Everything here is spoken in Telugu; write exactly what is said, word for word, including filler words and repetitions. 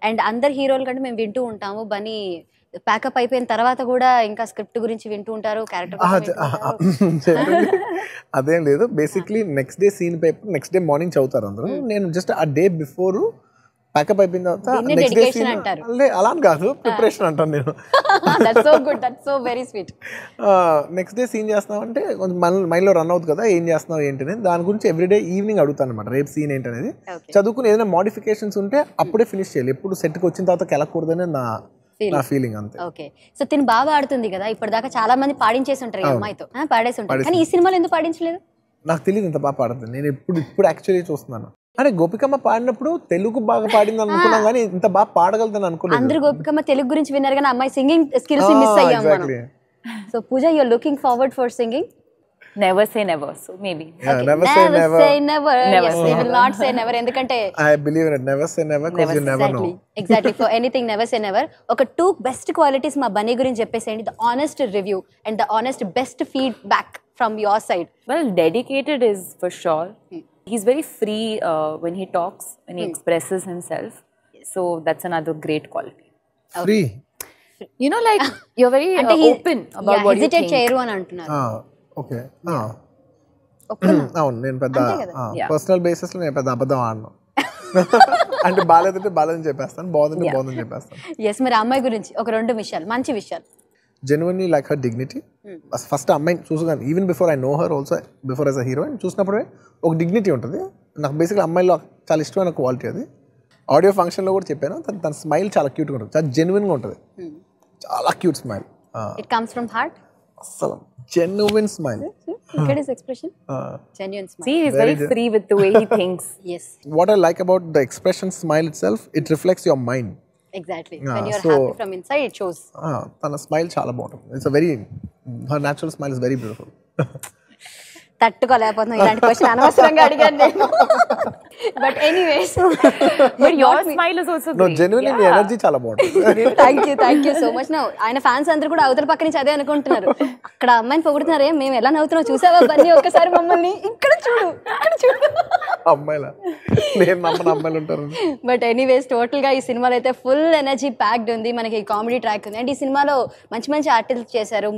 అండ్ అందరు హీరోల కంటే మేము వింటూ ఉంటాము బన్నీ ప్యాకప్ అయిపోయిన తర్వాత కూడా ఇంకా స్క్రిప్ట్ గురించి వింటూ ఉంటారు క్యారెక్టర్ అదేం లేదు basically next day scene paper next day morning చదువుతారు అందరూ నేను జస్ట్ ఆ డే బిఫోర్ ప్యాకప్ అయిపోయిన తర్వాత నెక్స్ట్ డే సీన్ అంటారు అలా కాదు ప్రిపరేషన్ అంటాను నేను that's so good that's so very sweet next day scene చేస్తున్నామంటే కొంచెం మైండ్లో రన్ అవుతుంది కదా ఏం చేస్తున్నావు ఏంటి దాని గురించి ఎవ్రీడే ఈవినింగ్ అడుగుతాను అనమాట రేపు సీన్ ఏంటనేది చదువుకుని ఏదైనా మోడిఫికేషన్స్ ఉంటే అప్పుడే ఫినిష్ చేయాలి ఎప్పుడు సెట్కి వచ్చిన తర్వాత కెలకూడదని నా నా ఫీలింగ్ అంతే ఓకే సో తిని బాగా ఆడుతుంది కదా ఇప్పటిదాకా చాలా మంది పాడించేసి ఉంటారు ఈ అమ్మాయితో పాడేసి ఉంటారు కానీ ఈ సినిమాలో ఎందుకు పాడించలేదు నాకు తెలియదు ఇంత బాగా పాడుతుంది నేను ఇప్పుడు ఇప్పుడు యాక్చువల్లీ చూస్తున్నాను అరే గోపికమ్మ పాడినప్పుడు తెలుగు బాగా పాడింది అనుకున్నాం కానీ ఇంత బాగా పాడగలుగుతాను అనుకోలేదు అందరూ గోపికమ్మ తెలుగు గురించి విన్నారు కానీ అమ్మాయి సింగింగ్ స్కిల్స్ మిస్ అయ్యాం మనం so Pooja you are looking forward for singing never say never so maybe yeah, okay. never, never say never say never, never. Yes, we will not say never ఎందుకంటే I believe in it never say never because you never exactly. know exactly for anything never say never ఒక two best qualities మా బన్నీ గురించి చెప్పేసేయండి the honest review and the honest best feedback from your side well dedicated is for sure hmm. he's very free uh, when he talks when he hmm. expresses himself yes. so that's another great quality free okay. you know like you're very uh, open about yeah, what you hesitate think చేయరు అని అంటున్నారు ah ఓకే అవును నేను పెద్ద పర్సనల్ బేసిస్ లో నేను పెద్ద అబద్ధం ఆడను అంటే బాలేదంటే బాలేదని చెప్పేస్తాను బాగుందంటే బాగుందని చెప్పేస్తాను ఎస్ మరి అమ్మాయి గురించి ఒక రెండు విషయాలు మంచి విషయాలు genuinely like her dignity first అమ్మాయిని చూసుకున్నాను even before I know her also before as a heroine చూసినప్పుడే ఒక డిగ్నిటీ ఉంటుంది నాకు బేసిక్గా అమ్మాయిలో చాలా ఇష్టమైన క్వాలిటీ అది ఆడియో ఫంక్షన్లో కూడా చెప్పాను తన స్మైల్ చాలా క్యూట్గా ఉంటుంది చాలా జెన్యున్గా ఉంటుంది చాలా cute smile it comes from heart అసలు genuine smile look at his expression uh, genuine smile see he's very, very free with the way he thinks yes what I like about the expression smile itself it reflects your mind exactly uh, when you're so, happy from inside it shows ah tana smile chaala bagundi it's a very her natural smile is very beautiful తట్టుకోలేకపోతున్నాం ఇలాంటి క్వశ్చన్ అనవసరంగా అడిగాను నేను but anyways but your smile is also great no genuinely the energy చాలా బాగుంది thank you thank you so much now ఆయన ఫ్యాన్స్ అందరూ కూడా అవతల పక్క నుంచి అదే అనుకుంటున్నారు అక్కడ అమ్మాయిని పొగుడుతున్నారే మేము ఎలా నవ్వుతున్నాం చూసావా బన్నీ ఒక్కసారి మమ్మల్ని ఇక్కడ చూడు ఇక్కడ చూడు అమ్మాయిలా నేను నమ్మని అమ్మాయిలు ఉంటారు బట్ ఎనీవేస్ టోటల్ గా ఈ సినిమాలో అయితే ఫుల్ ఎనర్జీ ప్యాక్డ్ ఉంది మనకి కామెడీ ట్రాక్ ఉంది అండ్ ఈ సినిమాలో మంచి మంచి ఆర్టిస్ట్ చేశారు